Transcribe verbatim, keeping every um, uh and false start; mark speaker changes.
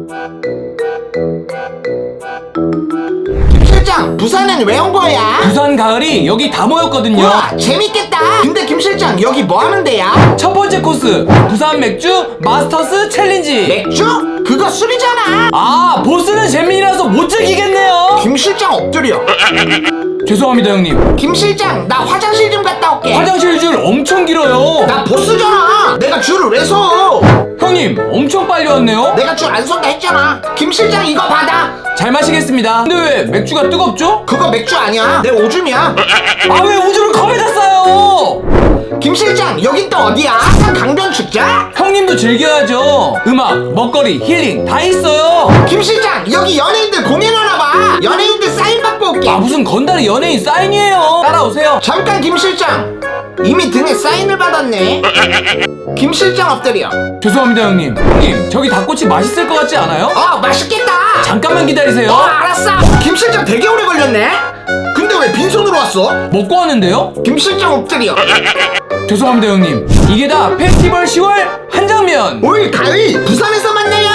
Speaker 1: 실장, 부산은 왜 온 거야?
Speaker 2: 부산 가을이 여기 다 모였거든요.
Speaker 1: 우와, 재밌겠다. 근데 김 실장, 여기 뭐 하는 데야?
Speaker 2: 첫 번째 코스 부산 맥주 마스터스 챌린지.
Speaker 1: 맥주? 그거 술이잖아.
Speaker 2: 아, 보스는 잼민이라서 못 즐기겠네요.
Speaker 1: 김 실장 엎드려.
Speaker 2: 죄송합니다 형님.
Speaker 1: 김 실장, 나 화장실 좀 갔다 올게.
Speaker 2: 화장실 줄 엄청 길어요.
Speaker 1: 나 보스잖아. 내가 줄을 왜 서?
Speaker 2: 형님 엄청 빨리 왔네요.
Speaker 1: 내가 줄 안 선다 했잖아. 김 실장, 이거 받아.
Speaker 2: 잘 마시겠습니다. 근데 왜 맥주가 뜨겁죠?
Speaker 1: 그거 맥주 아니야. 내 오줌이야.
Speaker 2: 아, 왜 우주를 컵에다 싸요?
Speaker 1: 김 실장, 여긴 또 어디야? 사상 강변 축제?
Speaker 2: 형님도 즐겨야죠. 음악, 먹거리, 힐링 다 있어요.
Speaker 1: 김 실장, 여기 연예인들 공연하나 봐. 연예인들 사인 받고 올게.
Speaker 2: 아, 무슨 건달이 연예인 사인이에요. 따라오세요.
Speaker 1: 잠깐 김 실장, 이미 등에 사인을 받았네. 김 실장 엎드려.
Speaker 2: 죄송합니다 형님. 형님 저기 닭꼬치 맛있을 것 같지 않아요?
Speaker 1: 어, 맛있겠다.
Speaker 2: 잠깐만 기다리세요.
Speaker 1: 어, 알았어. 김 실장 되게 오래 걸렸네. 근데 왜 빈손으로 왔어?
Speaker 2: 먹고 왔는데요?
Speaker 1: 김 실장 엎드려.
Speaker 2: 죄송합니다 형님. 이게 다 페스티벌 시월 한장면.
Speaker 1: 올 가을 부산에서 만나요.